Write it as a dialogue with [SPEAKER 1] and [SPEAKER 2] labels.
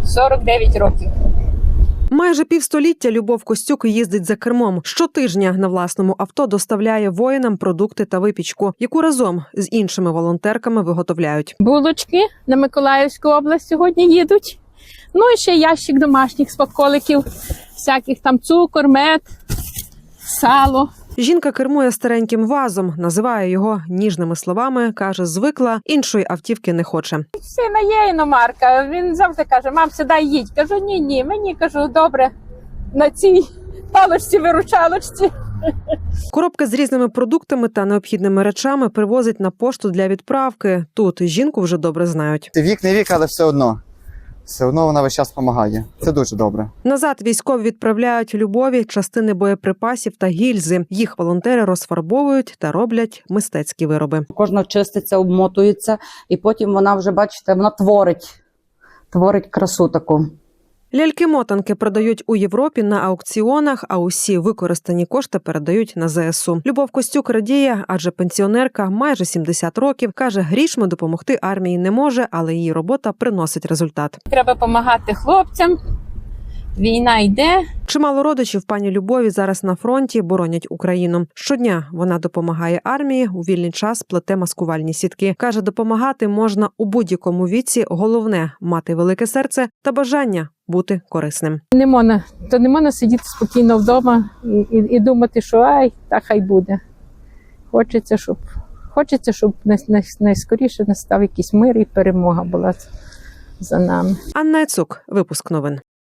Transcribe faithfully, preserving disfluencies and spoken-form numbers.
[SPEAKER 1] сорок дев'ять років.
[SPEAKER 2] Майже півстоліття Любов Костюк їздить за кермом. Щотижня на власному авто доставляє воїнам продукти та випічку, яку разом з іншими волонтерками виготовляють.
[SPEAKER 1] Булочки на Миколаївську область сьогодні їдуть. Ну і ще ящик домашніх смаколиків, всяких там цукор, мед, сало.
[SPEAKER 2] Жінка кермує стареньким вазом, називає його ніжними словами, каже, звикла, іншої автівки не хоче.
[SPEAKER 1] Сина є іномарка, він завжди каже, мам, сідай, їдь. Кажу, ні-ні, мені, кажу, добре, на цій паличці-виручалочці.
[SPEAKER 2] Коробки з різними продуктами та необхідними речами привозять на пошту для відправки. Тут жінку вже добре знають.
[SPEAKER 3] Вік не вік, але все одно. Все одно вона весь час допомагає. Це дуже добре.
[SPEAKER 2] Назад військові відправляють Любові частини боєприпасів та гільзи. Їх волонтери розфарбовують та роблять мистецькі вироби.
[SPEAKER 4] Кожна чиститься, обмотується, і потім вона вже, бачите, вона творить, творить красу таку.
[SPEAKER 2] Ляльки-мотанки продають у Європі на аукціонах, а усі використані кошти передають на зе ес у. Любов Костюк радіє, адже пенсіонерка майже сімдесят років, каже, грішми допомогти армії не може, але її робота приносить результат.
[SPEAKER 1] Треба допомагати хлопцям, війна йде.
[SPEAKER 2] Чимало родичів пані Любові зараз на фронті боронять Україну. Щодня вона допомагає армії, у вільний час плете маскувальні сітки. Каже, допомагати можна у будь-якому віці, головне – мати велике серце та бажання бути корисним.
[SPEAKER 1] Не можна, то не можна сидіти спокійно вдома і, і, і думати, що ай, так хай буде. Хочеться, щоб, хочеться, щоб най, най, найскоріше настав якийсь мир і перемога була за нами.
[SPEAKER 2] Анна Яцук, випуск новин.